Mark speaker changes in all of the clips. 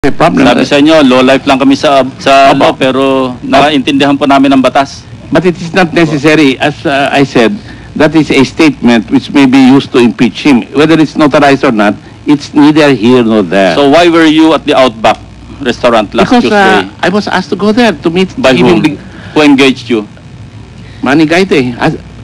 Speaker 1: May problem.
Speaker 2: Sabi sa inyo, low life lang kami sa law, pero nakaintindihan po namin ang batas.
Speaker 1: But it is not necessary. As I said, that is a statement which may be used to impeach him. Whether it's notarized or not, it's neither here nor there.
Speaker 2: So why were you at the Outback restaurant last
Speaker 1: Because
Speaker 2: Tuesday?
Speaker 1: I was asked to go there to meet
Speaker 2: By whom? Who engaged you?
Speaker 1: Manny Gaite.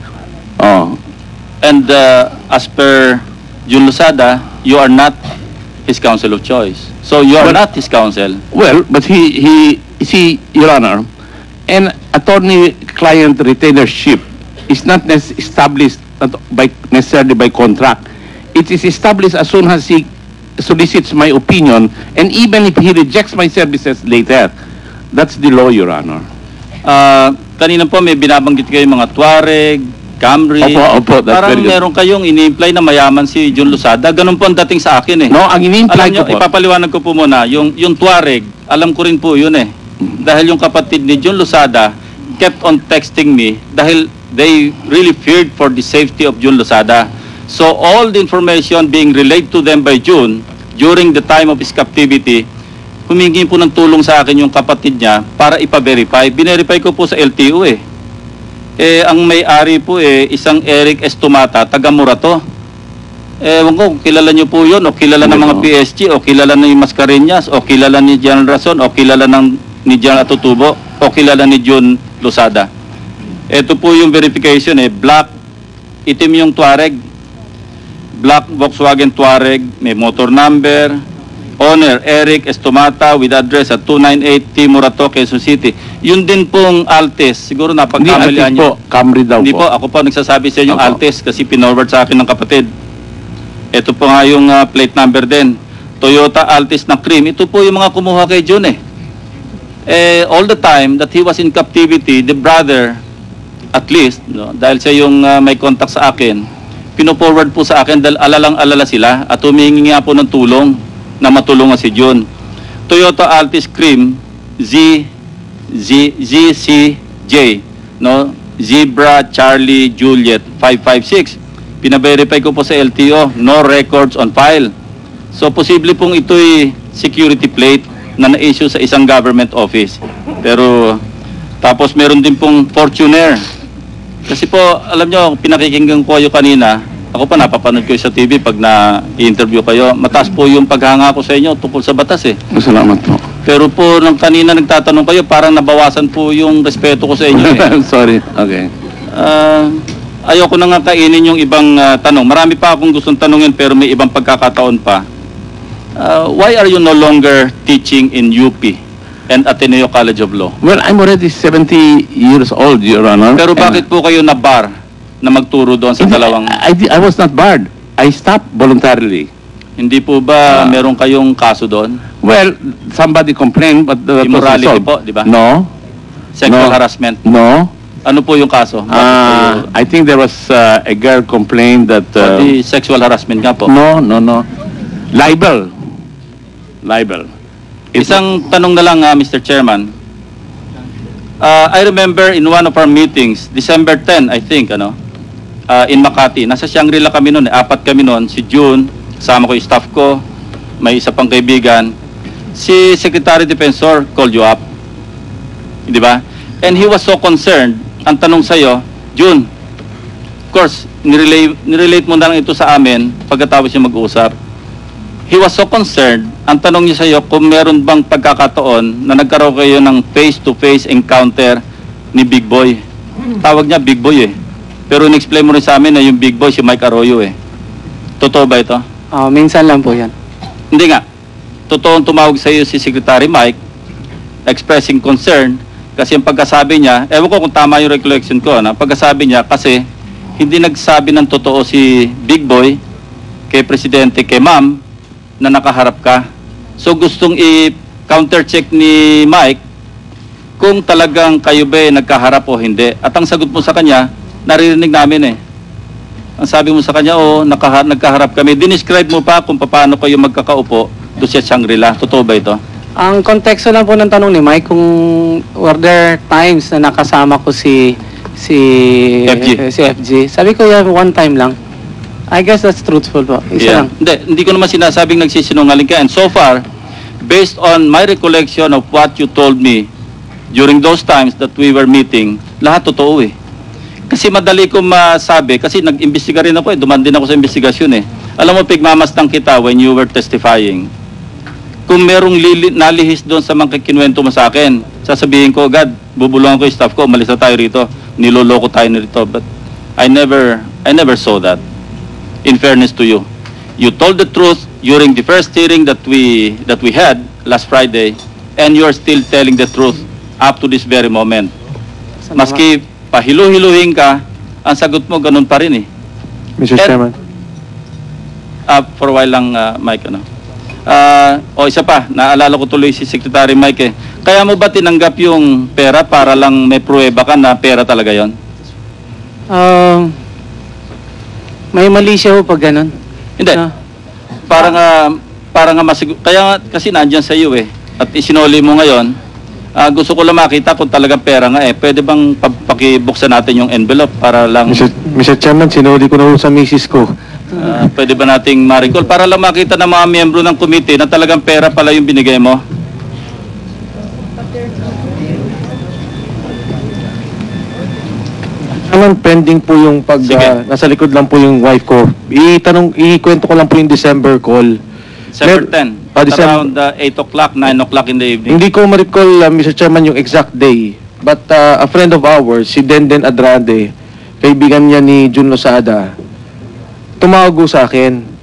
Speaker 2: And as per Jun Losada, you are not his counsel of choice. So you are not his counsel.
Speaker 1: Well, but he, Your Honor, an attorney-client retainership is not established necessarily by contract. It is established as soon as he solicits my opinion, and even if he rejects my services later. That's the law, Your Honor.
Speaker 2: Kanina po may binabanggit kayo mga Tuareg, Camry.
Speaker 1: Opo, that's
Speaker 2: Parang
Speaker 1: very good.
Speaker 2: meron kayong ini-imply na mayaman si Jun Losada. Ganun po ang dating sa akin eh.
Speaker 1: No, ang ini-imply
Speaker 2: Alam nyo,
Speaker 1: ko po.
Speaker 2: ipapaliwanag ko po muna, yung Tuareg, alam ko rin po yun eh. Dahil yung kapatid ni Jun Losada kept on texting me dahil they really feared for the safety of Jun Losada. So all the information being relayed to them by Jun during the time of his captivity, humingi po ng tulong sa akin yung kapatid niya para ipa-verify. Binerify ko po sa LTO eh. Ang may-ari po isang Eric Estumata, taga Murato. Ewan ko, kilala niyo po yun, o kilala ng mga PSG, o kilala ni Mascareñas, o kilala ni General Rason, o kilala ni General Atutubo, o kilala ni Jun Losada. Ito po yung verification black, itim yung Tuareg, black Volkswagen Tuareg, may motor number, owner Eric Estumata with address at 298 T. Murato, Quezon City. Yun din pong Altes, siguro napagkamalian niyo.
Speaker 1: Camry daw
Speaker 2: Hindi
Speaker 1: po.
Speaker 2: Ako po nagsasabi sa inyo yung
Speaker 1: Opo.
Speaker 2: Altes kasi pinorward sa akin ng kapatid. Ito po nga yung plate number din. Toyota Altis na cream. Ito po yung mga kumuha kay Jun all the time that he was in captivity, the brother, at least, dahil siya yung may contact sa akin, pino-forward po sa akin dahil alalang-alala sila at humingi nga po ng tulong na matulungan si Jun. Toyota Altis cream, ZCJ, Zebra Charlie Juliet 556. Pina-verify ko po sa LTO, no records on file. So posible pong ito'y security plate na na-issue sa isang government office. Pero tapos meron din pong Fortuner. Kasi po, alam nyo, pinakikinggan ko kayo kanina, ako pa napapanood ko sa TV pag na-interview kayo, mataas po yung paghanga ko sa inyo tungkol sa batas
Speaker 1: Salamat po.
Speaker 2: Pero po, nang kanina nagtatanong kayo, parang nabawasan po yung respeto ko sa inyo
Speaker 1: Sorry, okay.
Speaker 2: Ayoko na nga kainin yung ibang tanong. Marami pa akong gustong tanungin pero may ibang pagkakataon pa. Why are you no longer teaching in UP and Ateneo College of Law?
Speaker 1: Well, I'm already 70 years old, Your Honor.
Speaker 2: Pero bakit po kayo na-bar na magturo doon sa dalawang...
Speaker 1: I was not barred. I stopped voluntarily.
Speaker 2: Hindi po ba meron kayong kaso doon?
Speaker 1: Well, somebody complained, but that was
Speaker 2: Immorality
Speaker 1: resolved.
Speaker 2: po, di ba?
Speaker 1: No.
Speaker 2: Sexual
Speaker 1: No.
Speaker 2: harassment.
Speaker 1: No.
Speaker 2: Ano po yung kaso?
Speaker 1: I think there was a girl complained that...
Speaker 2: Pati sexual harassment nga po.
Speaker 1: No. Libel.
Speaker 2: Isang tanong na lang, Mr. Chairman. I remember in one of our meetings, December 10, I think, in Makati. Nasa Shangri-La kami noon, 4 kami noon. Si June, kasama ko yung staff ko, may isa pang kaibigan. Si Secretary Defensor called you up. Di ba? And he was so concerned. Ang tanong sa'yo, June, of course, nirelate mo na lang ito sa amin pagkatapos yung mag-uusap. He was so concerned, ang tanong niya sa'yo kung meron bang pagkakataon na nagkaroon kayo ng face-to-face encounter ni Big Boy. Tawag niya Big Boy Pero in-explain mo rin sa amin na yung Big Boy si Mike Arroyo Totoo ba ito?
Speaker 3: Minsan lang po yan.
Speaker 2: Hindi nga. Totoong tumawag sa iyo si Secretary Mike expressing concern kasi yung pagkasabi niya, ewan ko kung tama yung recollection ko, pagkasabi niya kasi hindi nagsabi ng totoo si Big Boy kay Presidente, kay Ma'am na nakaharap ka. So gustong i-counter-check ni Mike kung talagang kayo ba nagkaharap o hindi. At ang sagot mo sa kanya, naririnig namin Ang sabi mo sa kanya, nagkaharap kami. Dinescribe mo pa kung paano kayo magkakaupo doon sa Shangri-La. Totoo ba ito?
Speaker 3: Ang konteksto lang po ng tanong ni Mike, kung were there times na nakasama ko si FG. Sabi ko, yeah, one time lang. I guess that's truthful po. Isa lang.
Speaker 2: Hindi ko naman sinasabing nagsisinungaling ka. And so far, based on my recollection of what you told me during those times that we were meeting, lahat totoo eh. Kasi madali ko masabi, kasi nag-imbestiga rin ako eh, duman din ako sa investigasyon eh. Alam mo, pigmamastang kita when you were testifying. Kung merong nalihis doon sa mga kinuwento mo sa akin, sasabihin ko, God, bubulungan ko yung staff ko, umalis na tayo rito, niloloko tayo nito. But I never saw that. In fairness to you, you told the truth during the first hearing that we had last Friday, and you are still telling the truth up to this very moment. Maski pahilu-hiluhin ka, ang sagot mo ganun pa rin eh.
Speaker 4: Mr. Chairman.
Speaker 2: For a while lang, Mike, ano. Isa pa, naalala ko tuloy si Secretary Mike eh. Kaya mo ba tinanggap yung pera para lang may pruweba ka na pera talaga yon?
Speaker 3: May mali siya ho pag ganun.
Speaker 2: Hindi. Para nga kaya nga, kasi nandyan sa iyo eh. At isinuli mo ngayon, gusto ko lang makita kung talagang pera nga eh. Pwede bang pakibuksan natin yung envelope para lang...
Speaker 4: Mr. Chairman, sinuli ko na ho sa misis ko.
Speaker 2: Pwede ba nating ma-recall para lang makita ng mga miyembro ng committee na talagang pera pala yung binigay mo?
Speaker 4: Naman pending po yung
Speaker 2: Sige.
Speaker 4: nasa likod lang po yung wife ko. Ikwento ko lang po yung December call.
Speaker 2: December 10, around 8 o'clock, 9 o'clock in the evening.
Speaker 4: Hindi ko ma-recall, Mr. Chairman, yung exact day. But a friend of ours, si Denden Adrade, kaibigan niya ni Jun Losada, tumawag sa akin.